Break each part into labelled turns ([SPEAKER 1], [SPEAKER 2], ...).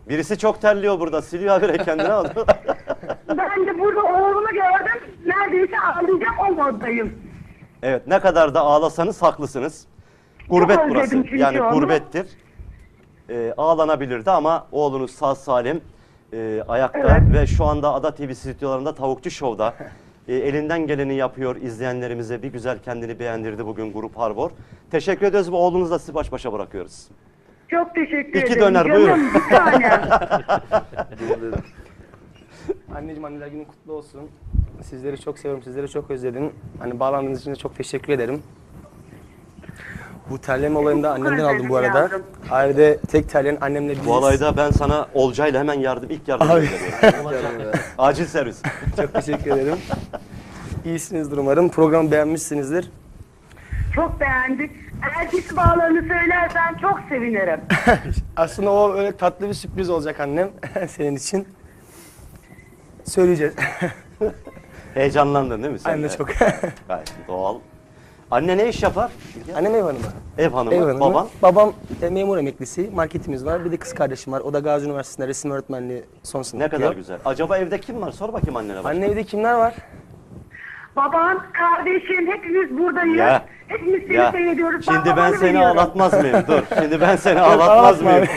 [SPEAKER 1] Birisi çok terliyor burada. Siliyor habire kendine aldı.
[SPEAKER 2] Ben de burada oğlumu gördüm. Neredeyse ağlayacağım, o moddayım.
[SPEAKER 1] Evet, ne kadar da ağlasanız haklısınız. Gurbet
[SPEAKER 2] Çok
[SPEAKER 1] burası.
[SPEAKER 2] özledim çünkü
[SPEAKER 1] Yani
[SPEAKER 2] onu.
[SPEAKER 1] gurbettir. Ağlanabilirdi ama oğlunuz sağ salim ayakta
[SPEAKER 2] Evet.
[SPEAKER 1] ve şu anda Ada TV stüdyolarında Tavukçu Show'da elinden geleni yapıyor. İzleyenlerimize bir güzel kendini beğendirdi bugün Grup Harbor. Teşekkür ediyoruz ve oğlunuzla sizi baş başa bırakıyoruz.
[SPEAKER 2] Çok teşekkür
[SPEAKER 1] İki
[SPEAKER 2] ederim.
[SPEAKER 1] döner,
[SPEAKER 2] Canım,
[SPEAKER 1] buyurun.
[SPEAKER 2] bir tanem.
[SPEAKER 3] Anneciğim, anneler günün kutlu olsun. Sizleri çok seviyorum, sizleri çok özledim. Hani bağlandığınız için de çok teşekkür ederim. Bu terleme olayını da annemden aldım bu arada.
[SPEAKER 2] Yavrum.
[SPEAKER 3] Ailede tek terleyen annemle biziz.
[SPEAKER 1] Bu olayda ben sana Olcay'la hemen ilk yardım
[SPEAKER 3] Abi.
[SPEAKER 1] veriyorum. Acil servis.
[SPEAKER 3] Çok teşekkür ederim. İyisinizdir umarım. Programı beğenmişsinizdir.
[SPEAKER 2] Çok beğendik. Eğer diş bağlarını söylersen çok sevinirim.
[SPEAKER 3] Aslında o öyle tatlı bir sürpriz olacak annem senin için. Söyleyeceğiz.
[SPEAKER 1] Heyecanlandın değil mi sen
[SPEAKER 3] Anne
[SPEAKER 1] de?
[SPEAKER 3] çok.
[SPEAKER 1] Gayet doğal. Anne ne iş yapar?
[SPEAKER 3] Annem ev hanımı.
[SPEAKER 1] Ev hanımı.
[SPEAKER 3] Ev hanımı.
[SPEAKER 1] Baban?
[SPEAKER 3] Babam memur emeklisi. Marketimiz var. Bir de kız kardeşim var. O da Gazi Üniversitesi'nde resim öğretmenliği son sınıf
[SPEAKER 1] Ne kadar
[SPEAKER 3] yapıyor.
[SPEAKER 1] güzel. Acaba evde kim var? Sor bakayım annene.
[SPEAKER 3] Anne evde kimler var?
[SPEAKER 2] Baban, kardeşin, hepimiz buradayız.
[SPEAKER 1] Ya.
[SPEAKER 2] Hepimiz seni
[SPEAKER 1] Ya.
[SPEAKER 2] seyrediyoruz.
[SPEAKER 1] Şimdi ben
[SPEAKER 2] babanı
[SPEAKER 1] seni
[SPEAKER 2] veriyorum.
[SPEAKER 1] ağlatmaz mıyım? Dur. Şimdi ben seni ağlatmaz
[SPEAKER 3] ağlatma
[SPEAKER 1] mıyım?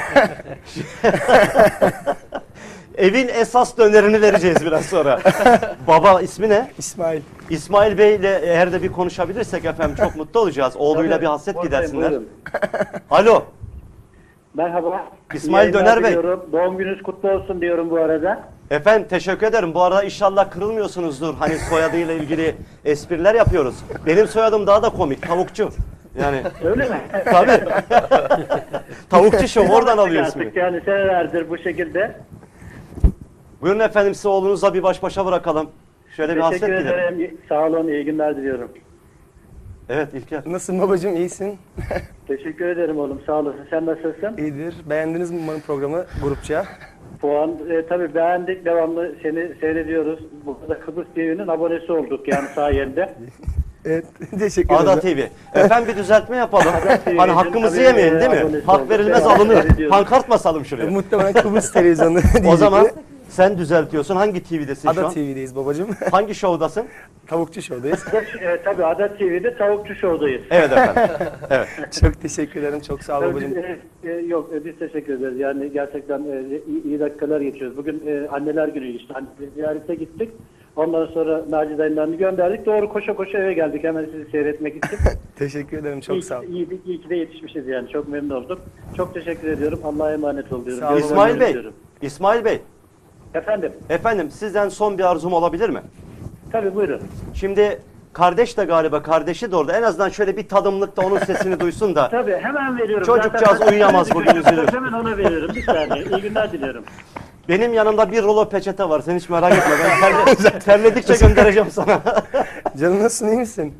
[SPEAKER 1] Evin esas dönerini vereceğiz biraz sonra. Baba ismi ne?
[SPEAKER 3] İsmail.
[SPEAKER 1] İsmail Bey ile eğer de bir konuşabilirsek efendim çok mutlu olacağız. Oğluyla
[SPEAKER 4] Tabii,
[SPEAKER 1] bir hasret
[SPEAKER 4] buradayım,
[SPEAKER 1] gidersinler.
[SPEAKER 4] buyurun.
[SPEAKER 1] Alo.
[SPEAKER 4] Merhaba.
[SPEAKER 1] İsmail
[SPEAKER 4] İyi yayınlar
[SPEAKER 1] Döner Bey.
[SPEAKER 4] diliyorum. Doğum gününüz kutlu olsun diyorum bu arada.
[SPEAKER 1] Efendim teşekkür ederim. Bu arada inşallah kırılmıyorsunuzdur. Hani soyadıyla ilgili espriler yapıyoruz. Benim soyadım daha da komik. Tavukçu. Yani
[SPEAKER 4] Öyle mi?
[SPEAKER 1] tabii. Tavukçu Show oradan alıyor
[SPEAKER 4] Artık
[SPEAKER 1] ismini.
[SPEAKER 4] yani senelerdir bu şekilde.
[SPEAKER 1] Buyurun efendim size oğlunuzla bir baş başa bırakalım. Şöyle bir hasret
[SPEAKER 4] Teşekkür
[SPEAKER 1] gidelim.
[SPEAKER 4] ederim. Sağ olun. İyi günler diliyorum.
[SPEAKER 1] Evet İlker.
[SPEAKER 3] Nasılsın babacığım? İyisin?
[SPEAKER 4] Teşekkür ederim oğlum. Sağ olasın. Sen nasılsın?
[SPEAKER 3] İyidir. Beğendiniz mi umarım programı grupça?
[SPEAKER 4] Puan tabii beğendik. Devamlı seni seyrediyoruz. Burada Kıbrıs TV'nin abonesi olduk yani sayende.
[SPEAKER 3] Evet. Teşekkür ederim.
[SPEAKER 1] Ada TV. Efendim bir düzeltme yapalım.
[SPEAKER 4] TV'nin
[SPEAKER 1] Hani hakkımızı
[SPEAKER 4] tabii,
[SPEAKER 1] yemeyin değil mi?
[SPEAKER 4] abonesi
[SPEAKER 1] Hak
[SPEAKER 4] olduk.
[SPEAKER 1] verilmez
[SPEAKER 4] Devamlı
[SPEAKER 1] alınır.
[SPEAKER 4] seyrediyoruz.
[SPEAKER 1] Pankart basalım şuraya.
[SPEAKER 3] Muhtemelen Kıbrıs televizyonu
[SPEAKER 1] O
[SPEAKER 3] diyecekti.
[SPEAKER 1] zaman sen düzeltiyorsun. Hangi TV'desin şu
[SPEAKER 3] Ada
[SPEAKER 1] an?
[SPEAKER 3] TV'deyiz babacığım.
[SPEAKER 1] Hangi şovdasın?
[SPEAKER 3] Tavukçu Show'dayız.
[SPEAKER 4] Tabii Adat TV'de Tavukçu Show'dayız.
[SPEAKER 1] Evet efendim. Evet.
[SPEAKER 3] Çok teşekkür ederim. Çok sağ ol
[SPEAKER 4] Tabii
[SPEAKER 3] babacığım.
[SPEAKER 4] yok biz teşekkür ederiz. Yani gerçekten iyi dakikalar geçiyoruz. Bugün anneler günü işte. Hani ziyarete gittik. Ondan sonra Naci dayılarını gönderdik. Doğru koşa koşa eve geldik hemen sizi seyretmek için.
[SPEAKER 3] Teşekkür ederim. Çok sağ ol.
[SPEAKER 4] İyi ki de yetişmişiz yani. Çok memnun oldum. Çok teşekkür ediyorum. Allah'a emanet ol diyorum.
[SPEAKER 3] Sağ olun.
[SPEAKER 4] Görüşmek
[SPEAKER 1] İsmail
[SPEAKER 4] üzere
[SPEAKER 1] Bey.
[SPEAKER 4] diyorum.
[SPEAKER 1] İsmail Bey.
[SPEAKER 4] Efendim.
[SPEAKER 1] Efendim sizden son bir arzum olabilir mi?
[SPEAKER 4] Tabii buyurun.
[SPEAKER 1] Şimdi kardeş de galiba kardeşi de orada. En azından şöyle bir tadımlıkta onun sesini duysun da.
[SPEAKER 4] Tabii hemen veriyorum.
[SPEAKER 1] Çocukcağız
[SPEAKER 4] Zaten-
[SPEAKER 1] uyuyamaz bugün, üzülür.
[SPEAKER 4] Hemen ona veriyorum. Bir saniye. İyi günler diliyorum.
[SPEAKER 1] Benim yanımda bir rulo peçete var. Sen hiç merak etme. Ben terledikçe göndereceğim sana.
[SPEAKER 3] Canım nasılsın? İyi misin?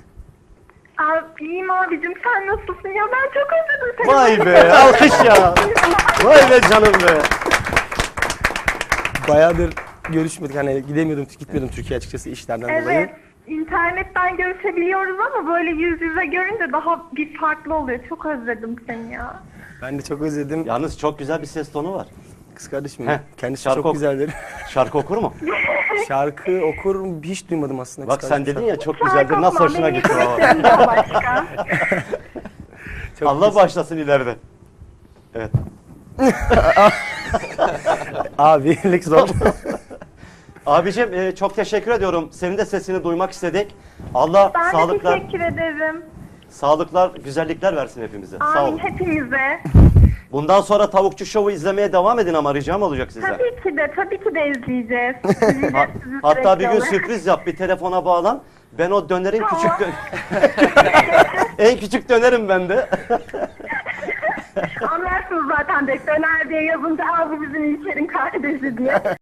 [SPEAKER 2] Abi, iyiyim abicim, sen nasılsın ya? Ben çok özledim seni.
[SPEAKER 1] Vay be. Alkış ya. Vay be canım be.
[SPEAKER 3] Bayağıdır görüşmedik. Hani gitmiyordum Türkiye açıkçası işlerden dolayı.
[SPEAKER 2] Evet, internetten görüşebiliyoruz ama böyle yüz yüze görünce daha bir farklı oluyor. Çok özledim seni ya.
[SPEAKER 3] Ben de çok özledim.
[SPEAKER 1] Yalnız çok güzel bir ses tonu var.
[SPEAKER 3] Kız kardeşim
[SPEAKER 1] Heh,
[SPEAKER 3] kendisi
[SPEAKER 1] şarkı
[SPEAKER 3] çok
[SPEAKER 1] ok-
[SPEAKER 3] güzeldir.
[SPEAKER 1] Şarkı okur mu?
[SPEAKER 3] Şarkı okur hiç duymadım aslında.
[SPEAKER 1] Bak
[SPEAKER 3] kız
[SPEAKER 1] sen
[SPEAKER 3] kardeşim.
[SPEAKER 1] dedin ya çok güzeldir. Nasıl hoşuna
[SPEAKER 2] Benim
[SPEAKER 1] gitti o?
[SPEAKER 2] yeteneklerimden başka.
[SPEAKER 3] Çok
[SPEAKER 1] Allah
[SPEAKER 3] güzel.
[SPEAKER 1] başlasın ileride. Evet.
[SPEAKER 3] Abi Lex zor.
[SPEAKER 1] Abicim çok teşekkür ediyorum. Senin de sesini duymak istedik. Allah
[SPEAKER 2] Ben de
[SPEAKER 1] sağlıklar,
[SPEAKER 2] teşekkür ederim.
[SPEAKER 1] sağlıklar, güzellikler versin hepimize. Sağ
[SPEAKER 2] Amin
[SPEAKER 1] olun.
[SPEAKER 2] hepimize.
[SPEAKER 1] Bundan sonra Tavukçu Show'u izlemeye devam edin ama ricam olacak size.
[SPEAKER 2] Tabii ki de izleyeceğiz.
[SPEAKER 1] Hatta bir gün
[SPEAKER 2] sürekli olarak.
[SPEAKER 1] sürpriz yap, bir telefona bağlan. Ben o dönerin en küçük dönerim ben de.
[SPEAKER 2] Anlarsınız zaten döner diye yazınca abi bizim İlker'in kardeşi diye.